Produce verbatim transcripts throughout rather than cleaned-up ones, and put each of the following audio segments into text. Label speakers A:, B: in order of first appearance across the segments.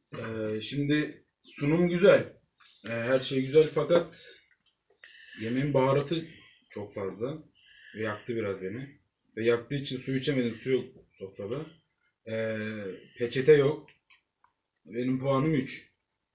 A: Ee, şimdi sunum güzel. Ee, her şey güzel fakat yemeğin baharatı çok fazla. Ve yaktı biraz beni. Ve yaktığı için su içemedim. Su yok sofrada. Ee, peçete yok. Benim puanım üç.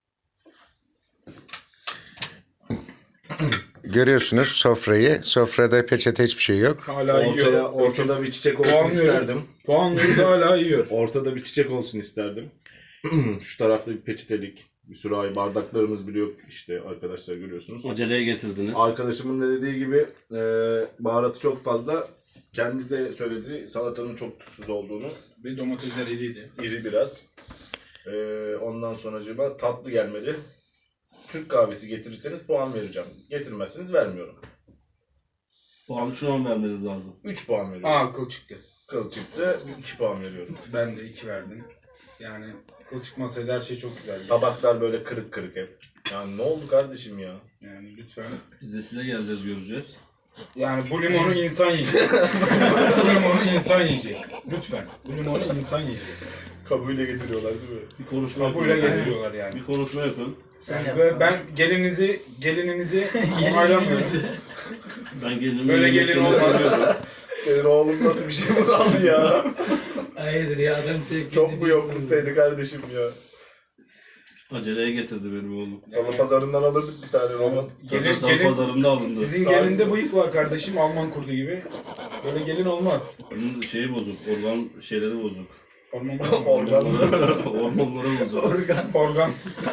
B: Görüyorsunuz sofrayı. Sofrada peçete hiçbir şey yok.
A: Hala
C: Ortaya,
A: yiyor.
C: ortada bir çiçek olsun
A: Puanlıyoruz.
C: isterdim.
A: Puanlıyoruz, hala yiyor.
C: Ortada bir çiçek olsun isterdim. Şu tarafta bir peçetelik, bir sürahi, bardaklarımız bile yok işte arkadaşlar görüyorsunuz.
D: Aceleye getirdiniz.
C: Arkadaşımın da dediği gibi e, baharatı çok fazla. Kendi de söyledi salatanın çok tuzsuz olduğunu.
A: Bir domatesler iriydi.
C: İri biraz. E, ondan sonra acaba tatlı gelmedi. Türk kahvesi getirirseniz puan vereceğim. Getirmezseniz vermiyorum.
D: Puanı şuna mı vermeniz lazım?
C: üç puan veriyorum.
A: Aa, kıl çıktı.
C: Kıl çıktı, iki puan veriyorum.
A: Ben de iki verdim. Yani kıl çıkmasaydı her şey çok güzeldi.
C: Tabaklar böyle kırık kırık hep. Yani ne oldu kardeşim ya?
A: Yani lütfen.
D: Biz de size geleceğiz, göreceğiz.
A: Yani bu limonu insan yiyecek. Bu limonu insan yiyecek. Lütfen. Bu limonu insan yiyecek.
C: Kabuğuyla getiriyorlar değil mi?
D: Bir konuşma
A: Kabuyla
D: yapın.
A: getiriyorlar yani.
D: Bir konuşma yapın.
A: Yani böyle ben gelinizi, gelininizi onaylamıyorum.
D: Ben gelinimi
A: Böyle gelin olmaz.
C: Senin oğlun nasıl bir şey mi kaldı ya?
E: Hayırdır ya adam tek
C: Çok mu yokluktaydı kardeşim ya?
D: Aceleye getirdi benim oğlum.
C: Salı pazarından alırdık bir tane roman.
A: Gelin,
D: Zaten
A: gelin,
D: pazarında alındı.
A: sizin gelinde bıyık var kardeşim, Alman kurdu gibi. Böyle gelin olmaz.
D: Onun şeyi bozuk, organ şeyleri bozuk.
A: Orman
C: Organ.
D: Hormonları bozuk.
E: Organ.
A: Organ.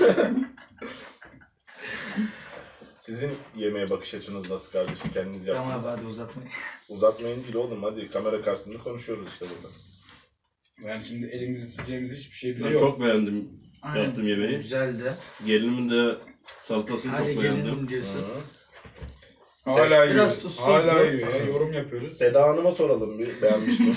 C: Sizin yemeğe bakış açınız nasıl kardeşim? Kendiniz
E: Tamam
C: yaptınız.
E: abi hadi uzatmayın.
C: Uzatmayın değil oğlum hadi. Kamera karşısında konuşuyoruz işte burada.
A: Yani şimdi elimizi sileceğimiz hiçbir şey bile
D: Ben
A: yok.
D: çok beğendim
E: Aynen.
D: yaptığım yemeği.
E: Güzeldi.
D: Gelinimin de salatasını
E: Hadi
D: çok beğendim.
E: gelelim diyorsun.
C: Hı.
A: Hala yiyor.
E: Biraz tuzsuzdu.
A: Hala yiyor ya. Yorum yapıyoruz.
C: Seda Hanım'a soralım bir. Beğenmiş mi?